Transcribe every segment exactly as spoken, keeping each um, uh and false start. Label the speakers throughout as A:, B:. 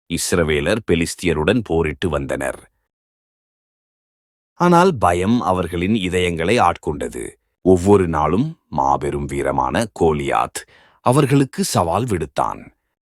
A: இஸ்ரவேலர் பெலிஸ்தியருடன் போரிட்டு வந்தனர். ஆனால் பயம் அவர்களின் இதயங்களை ஆட்கொண்டது. ஒவ்வொரு நாளும் மாபெரும் வீரமான கோலியாத் அவர்களுக்கு சவால் விடுத்தான்.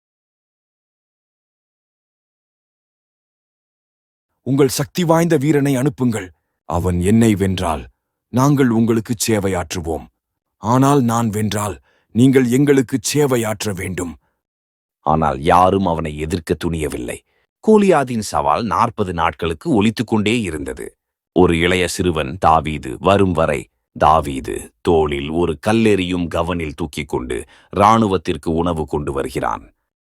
B: உங்கள் சக்தி வாய்ந்த வீரனை அனுப்புங்கள். அவன் என்னை வென்றால் நாங்கள் உங்களுக்கு சேவையாற்றுவோம். ஆனால் நான் வென்றால் நீங்கள் எங்களுக்கு சேவையாற்ற வேண்டும்.
A: ஆனால் யாரும் அவனை எதிர்க்க துணியவில்லை. கோலியாதின் சவால் நாற்பது நாட்களுக்கு ஒலித்துக் கொண்டே இருந்தது. ஒரு இளைய சிறுவன் தாவீது வரும் வரை தாவீது தோளில் ஒரு கல்லெறியும் கவனில் தூக்கிக் கொண்டு இராணுவத்திற்கு உணவு கொண்டு வருகிறான்.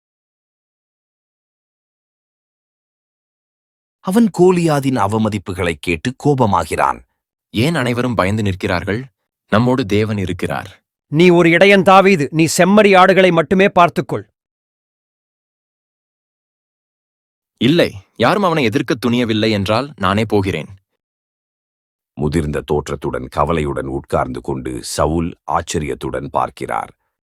A: அவன் கோலியாதின் அவமதிப்புகளைக் கேட்டு கோபமாகிறான்.
C: ஏன் அனைவரும் பயந்து நிற்கிறார்கள்? நம்மோடு தேவன் இருக்கிறார்.
D: நீ ஒரு இடையன் தாவீது, நீ செம்மறி ஆடுகளை மட்டுமே பார்த்துக்கொள்.
C: இல்லை, யாரும் அவனை எதிர்க்க துணியவில்லை என்றால் நானே போகிறேன்.
A: முதிர்ந்த தோற்றத்துடன் கவலையுடன் உட்கார்ந்து கொண்டு சவுல் ஆச்சரியத்துடன் பார்க்கிறார்.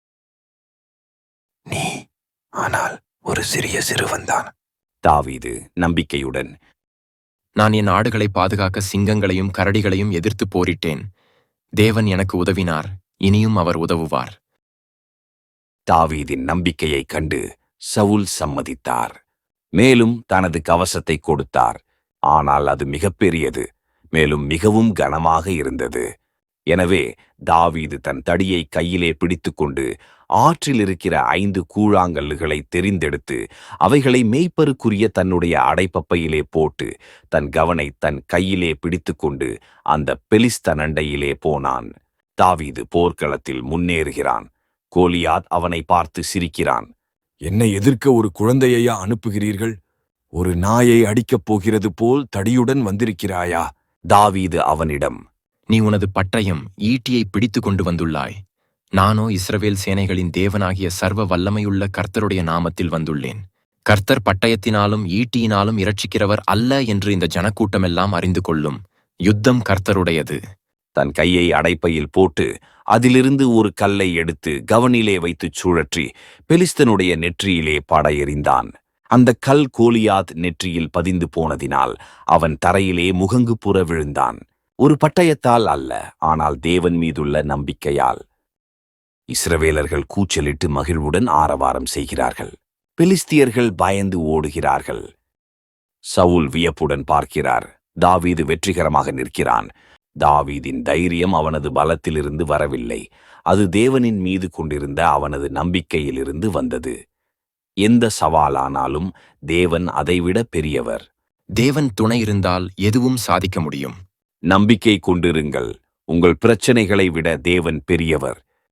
B: நீ ஆனால் ஒரு சிறிய சிறுவன்தான்.
A: தாவீது நம்பிக்கையுடன்,
C: நான் என் ஆடுகளை பாதுகாக்க சிங்கங்களையும் கரடிகளையும் எதிர்த்து போரிட்டேன். தேவன் எனக்கு உதவினார், இனியும் அவர் உதவுவார்.
A: தாவீதின் நம்பிக்கையைக் கண்டு சவுல் சம்மதித்தார். மேலும் தனது கவசத்தை கொடுத்தார். ஆனால் அது மிகப்பெரியது, மேலும் மிகவும் கனமாக இருந்தது. எனவே தாவீது தன் தடியை கையிலே பிடித்துக்கொண்டு ஆற்றில் இருக்கிற ஐந்து கூழாங்கல்லுகளை தெரிந்தெடுத்து அவைகளை மேய்ப்பருக்குரிய தன்னுடைய அடைப்பப்பையிலே போட்டு தன் கவனை தன் கையிலே பிடித்துக்கொண்டு அந்த பெலிஸ்த நண்டையிலே போனான். தாவீது போர்க்களத்தில் முன்னேறுகிறான். கோலியாத் அவனை பார்த்து சிரிக்கிறான்.
B: என்னை எதிர்க்க ஒரு குழந்தையையா அனுப்புகிறீர்கள்? ஒரு நாயை அடிக்கப் போகிறது போல் தடியுடன் வந்திருக்கிறாயா?
A: தாவீது அவனிடம்,
C: நீ உனது பட்டயம் ஈட்டியை பிடித்து கொண்டு வந்துள்ளாய். நானோ இஸ்ரவேல் சேனைகளின் தேவனாகிய சர்வ வல்லமையுள்ள கர்த்தருடைய நாமத்தில் வந்துள்ளேன். கர்த்தர் பட்டயத்தினாலும் ஈட்டியினாலும் இரட்சிக்கிறவர் அல்ல என்று இந்த ஜனக்கூட்டமெல்லாம் அறிந்து கொள்ளும். யுத்தம் கர்த்தருடையது.
A: தன் கையை அடைப்பையில் போட்டு அதிலிருந்து ஒரு கல்லை எடுத்து கவனிலே வைத்துச் சுழற்றி பெலிஸ்தனுடைய நெற்றியிலே பட எறிந்தான். அந்த கல் கோலியாத் நெற்றியில் பதிந்து போனதினால் அவன் தரையிலே முகங்கு புற விழுந்தான். ஒரு பட்டயத்தால் அல்ல, ஆனால் தேவன் மீதுள்ள நம்பிக்கையால். இஸ்ரவேலர்கள் கூச்சலிட்டு மகிழ்வுடன் ஆரவாரம் செய்கிறார்கள். பெலிஸ்தியர்கள் பயந்து ஓடுகிறார்கள். சவுல் வியப்புடன் பார்க்கிறார். தாவீது வெற்றிகரமாக நிற்கிறான். தாவீதின் தைரியம் அவனது பலத்திலிருந்து வரவில்லை, அது தேவனின் மீது கொண்டிருந்த அவனது நம்பிக்கையிலிருந்து வந்தது. எந்த சவாலானாலும் தேவன் அதைவிட பெரியவர்.
C: தேவன் துணை இருந்தால் எதுவும் சாதிக்க முடியும்.
A: நம்பிக்கை கொண்டிருங்கள். உங்கள் பிரச்சனைகளை விட தேவன் பெரியவர்.